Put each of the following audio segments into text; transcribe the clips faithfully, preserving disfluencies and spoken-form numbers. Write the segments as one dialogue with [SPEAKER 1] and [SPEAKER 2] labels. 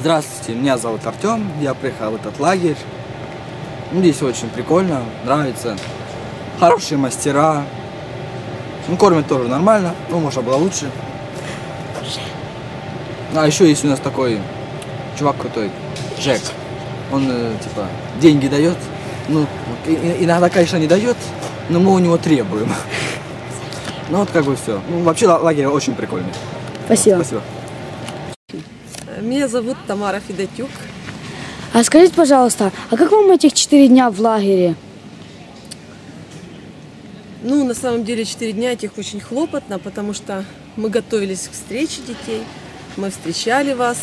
[SPEAKER 1] Здравствуйте, меня зовут Артем, я приехал в этот лагерь. Ну, здесь очень прикольно, нравится. Хорошие мастера. Ну, кормят тоже нормально, ну, можно было лучше. А еще есть у нас такой чувак крутой, Джек. Он, э, типа, деньги дает. Ну, иногда, конечно, не дает, но мы у него требуем. Ну, вот как бы все. Ну, вообще лагерь очень прикольный.
[SPEAKER 2] Спасибо.
[SPEAKER 1] Спасибо.
[SPEAKER 3] Меня зовут Тамара Федотюк.
[SPEAKER 2] А скажите, пожалуйста, а как вам этих четыре дня в лагере?
[SPEAKER 3] Ну, на самом деле, четыре дня этих очень хлопотно, потому что мы готовились к встрече детей, мы встречали вас.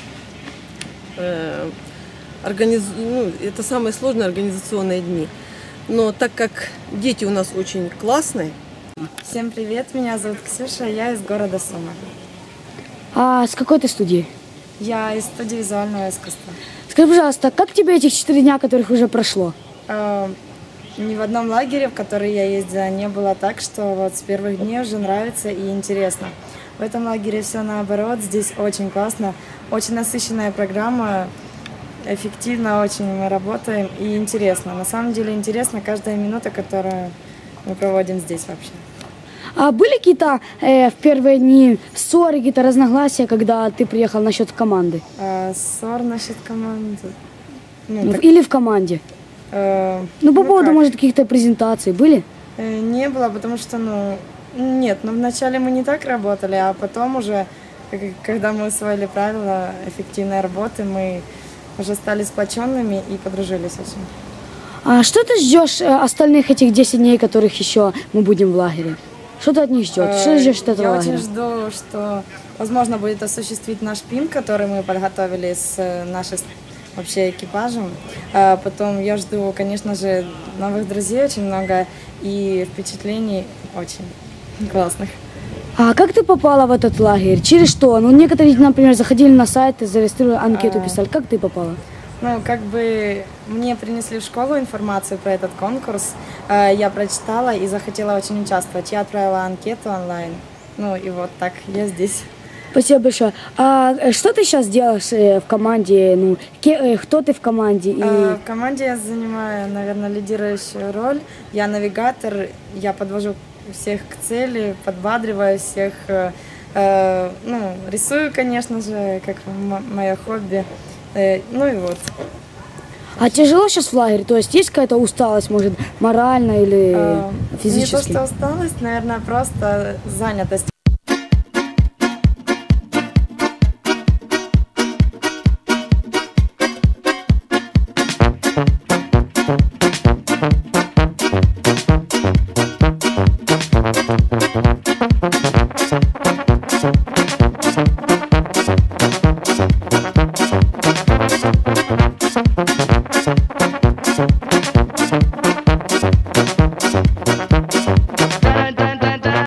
[SPEAKER 3] Э, организ... ну, это самые сложные организационные дни. Но так как дети у нас очень классные.
[SPEAKER 4] Всем привет, меня зовут Ксюша, я из города Сума.
[SPEAKER 2] А с какой ты студии?
[SPEAKER 4] Я из студии визуального искусства.
[SPEAKER 2] Скажи, пожалуйста, как тебе этих четыре дня, которых уже прошло?
[SPEAKER 4] Э, ни в одном лагере, в который я ездила, не было так, что вот с первых дней уже нравится и интересно. В этом лагере все наоборот, здесь очень классно, очень насыщенная программа, эффективно очень мы работаем и интересно. На самом деле интересно каждая минута, которую мы проводим здесь вообще.
[SPEAKER 2] А были какие-то э, в первые дни ссоры, какие-то разногласия, когда ты приехал насчет команды?
[SPEAKER 4] А, ссор насчет команды? Ну,
[SPEAKER 2] Ну,
[SPEAKER 4] так,
[SPEAKER 2] или в команде?
[SPEAKER 4] э,
[SPEAKER 2] Ну, по
[SPEAKER 4] ну
[SPEAKER 2] поводу,
[SPEAKER 4] как?
[SPEAKER 2] может, каких-то презентаций были?
[SPEAKER 4] Э, Не было, потому что, ну, нет, ну, вначале мы не так работали, а потом уже, к- когда мы усвоили правила эффективной работы, мы уже стали сплоченными и подружились очень.
[SPEAKER 2] А что ты ждешь э, остальных этих десять дней, которых еще мы будем в лагере? Что ты от них ждешь? Что
[SPEAKER 4] Э,
[SPEAKER 2] ты ждешь от этого
[SPEAKER 4] Я
[SPEAKER 2] лагеря?
[SPEAKER 4] очень жду, что возможно будет осуществить наш пин, который мы подготовили с э, нашим вообще экипажем. А потом я жду, конечно же, новых друзей очень много и впечатлений очень классных.
[SPEAKER 2] А как ты попала в этот лагерь? Через что? Ну, некоторые, например, заходили на сайт, зарегистрировали анкету,
[SPEAKER 4] А.
[SPEAKER 2] писали. Как ты попала?
[SPEAKER 4] Ну, как бы мне принесли в школу информацию про этот конкурс, э, я прочитала и захотела очень участвовать. Я отправила анкету онлайн, ну и вот так я здесь.
[SPEAKER 2] Спасибо большое. А э, что ты сейчас делаешь э, в команде? Ну, ке- э, кто ты в команде? И...
[SPEAKER 4] Э, В команде я занимаю, наверное, лидирующую роль. Я навигатор, я подвожу всех к цели, подбадриваю всех, э, э, ну, рисую, конечно же, как мое хобби. Э, Ну и вот.
[SPEAKER 2] А тяжело сейчас в лагере? То есть есть какая-то усталость, может, морально или
[SPEAKER 4] Э, Не то,
[SPEAKER 2] физически?
[SPEAKER 4] что усталость, наверное, просто занятость.